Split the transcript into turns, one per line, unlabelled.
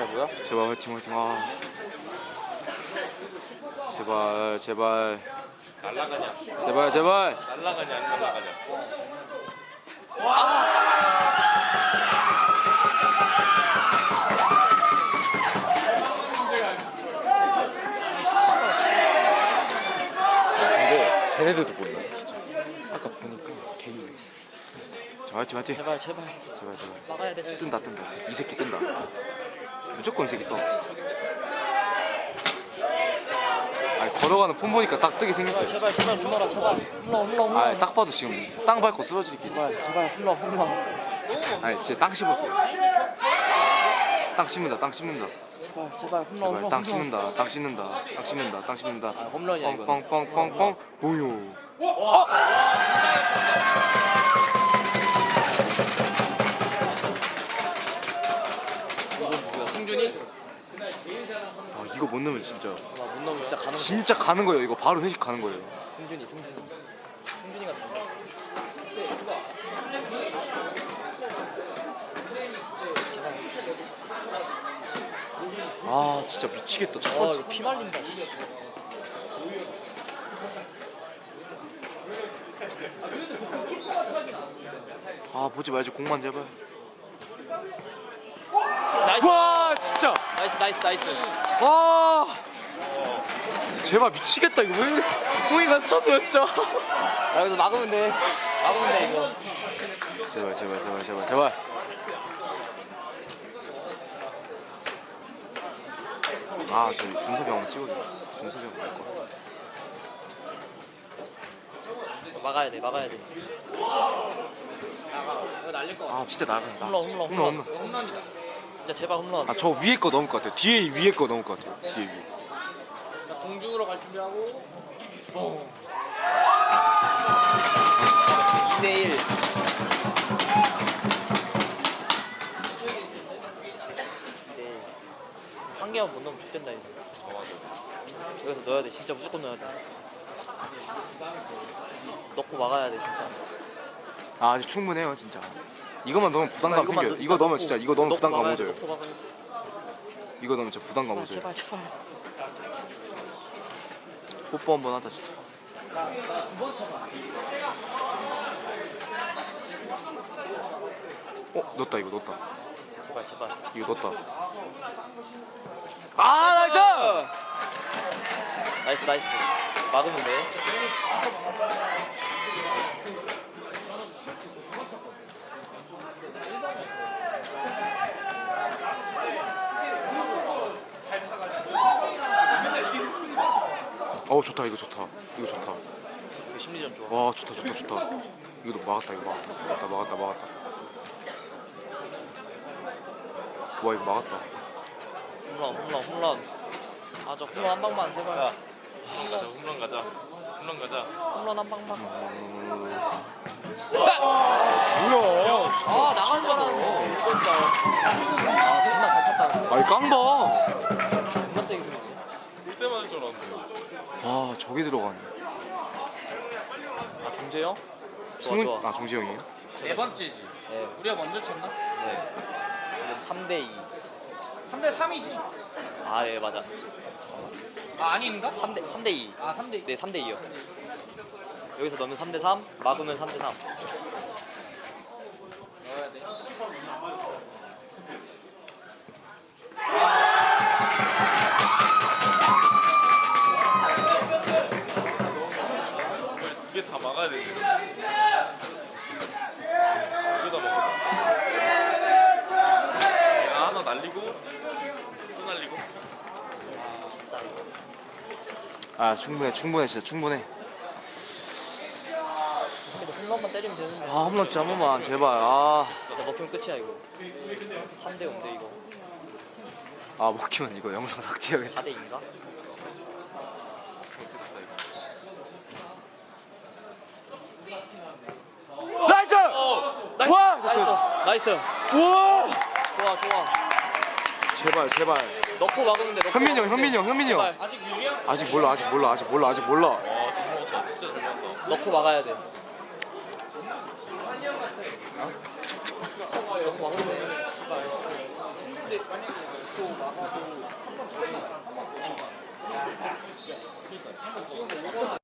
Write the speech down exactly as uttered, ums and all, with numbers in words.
뭐야?
제발 화이팅 화이팅. 아 제발 제발
날라가냐?
제발 제발.
날라가냐 안 날라가냐?
근데 쟤네들도 몰라 진짜. 아까 보니까 개미가 있어. 자 화이팅 화이팅.
제발 제발
제발 제발.
막아야 돼. 진짜.
뜬다 뜬다. 이 새끼 뜬다. 무조건 이 새끼 떠. 아니 걸어가는 폼 보니까 딱 뜨게 생겼어요.
제발 제발 홈런아 제발 홈런 홈런 홈런.
아니 딱 봐도 지금 땅 밟고 쓰러지기.
제발 제발 홈런 홈런.
아니 진짜 땅 씹었어요. 땅 씹는다 땅 씹는다.
제발 제발 홈런
제발
홈런.
땅 씹는다 땅 씹는다 땅 씹는다 땅 씹는다.
아, 홈런이야 이거.
뻥뻥뻥뻥뻥 보요.
이거 누구야? 승준이?
아 이거 못 넣으면 진짜
나못 넣으면 진짜 가는 거.
진짜 가는 거예요. 이거 바로 회식 가는 거예요.
승준이 승준이. 승준이 같은 거.
아 진짜 미치겠다. 첫
아
번째.
이거 피 말린다. 씨.
아 보지 말지 공만 제발.
나이스
와 진짜.
나이스 나이스 나이스.
와 제발 미치겠다. 이거 왜 후이가 스쳤어요 진짜.
야, 여기서 막으면 돼. 막으면 돼 이거.
제발 제발 제발 제발 제발. 아 저 준섭이 형 찍어줘. 준섭이 형 갈 거야.
막아야 돼 막아야 돼.
아 진짜 나가. 나.
홈런, 홈런,
홈런.
홈런. 진짜 제발 홈런.
아 저 위에 거 넘을 것 같아요. 뒤에 위에 거 넘을 것 같아요. 뒤에 위.
공중으로 갈 준비하고. 어. 지금 이 대 일. 한 개만 못 넣으면 죽겠다 이제. 여기서 넣어야 돼. 진짜 무조건 넣어야 돼. 넣고 막아야 돼 진짜.
아 아직 충분해요 진짜. 이거만 넣으면 부담감
이거만
생겨요.
넣-
이거 넣으면
넣고,
진짜 이거 넣으면
넣고
부담감
막아야 돼,
오져요.
넣고 막아야 돼.
이거 넣으면 진짜 부담감 오져요.
제발 제발.
뽀뽀 한번 하자 진짜. 어 넣었다 이거 넣었다.
제발 제발.
이거 넣었다. 아 나이스!
나이스 나이스. 막으면 돼.
어 좋다 이거 좋다. 이거 좋다.
이거 심리전 좋아.
와 좋다 좋다 좋다. 이거도 막았다 이거 막았다 막았다 막았다 막았다. 와 이거 막았다.
홈런 홈런 홈런. 아저 홈런 한 방만 제발.
홈런 가자, 홈런 가자, 홈런 가자.
홈런 한 방만.
뭐야?
아 나간 줄 알았는데. 아 존나 잘 탔다.
아이 깡봐.
존나 세게 들리지.
볼 때만 할줄 알았는데.
아 저기 들어가네.
아 김재영? 좋아
승훈
좋아.
아 정지 형이에요?
네 번째지.
네.
우리가 먼저 쳤나?
네. 지금 삼 대 이.
삼 대 삼이지.
아 예 맞아.
아 아닌가?
삼 대 삼 대 이.
아 삼 대.
네 삼 대 이요. 여기서 넣으면 삼 대 삼, 막으면 삼 대 삼.
넣어야 돼.
두 개 다 막아야 되는데. 두 개 다 막아. 얘가 하나 날리고 또 날리고.
아 충분해 충분해 진짜 충분해.
근데 홈런만 때리면 되는데.
아 홈런 진짜 한 번만 제발. 아,
진짜 먹히면 끝이야 이거. 삼 대 오인데 이거.
아 먹히면 이거 영상 삭제해야겠다.
사 대 이인가?
나이스!
나이스!
와!
나이스! 나이스!
우와!
좋아 좋아.
제발 제발.
넣고 막으면 돼. 넣고
현민이 형
막으면
현민이
돼.
형 현민이 형.
제발.
아직 유리야?
아직 몰라 아직 몰라 아직 몰라 아직 몰라.
와, 잘 먹었다. 진짜 잘 먹었다.
넣고 막아야 돼. 넣고 막으면 돼. 씨발.
찍고 막아도 한 번 더 해. 한번 더.